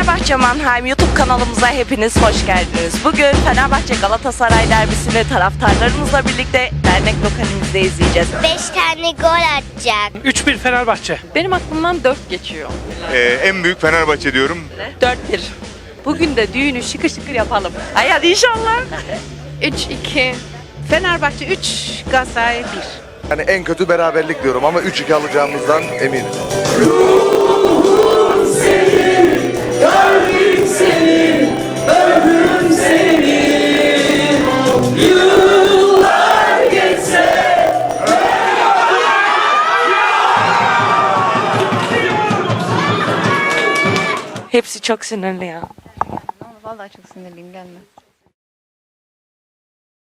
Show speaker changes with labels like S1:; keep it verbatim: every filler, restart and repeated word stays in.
S1: Fenerbahçe Mannheim YouTube kanalımıza hepiniz hoş geldiniz. Bugün Fenerbahçe Galatasaray derbisini taraftarlarımızla birlikte dernek lokalimizde izleyeceğiz.
S2: beş tane gol atacak.
S3: üç bir Fenerbahçe.
S1: Benim aklımdan dört geçiyor.
S4: Ee, en büyük Fenerbahçe diyorum.
S1: dört bir. Bugün de düğünü şıkır şıkır yapalım. Ay hadi inşallah.
S5: üç iki. Fenerbahçe üç, Galatasaray bir.
S6: Yani en kötü beraberlik diyorum ama üç iki alacağımızdan eminim.
S1: Hepsi çok sinirli ya.
S5: Vallahi çok sinirliyim, gelme.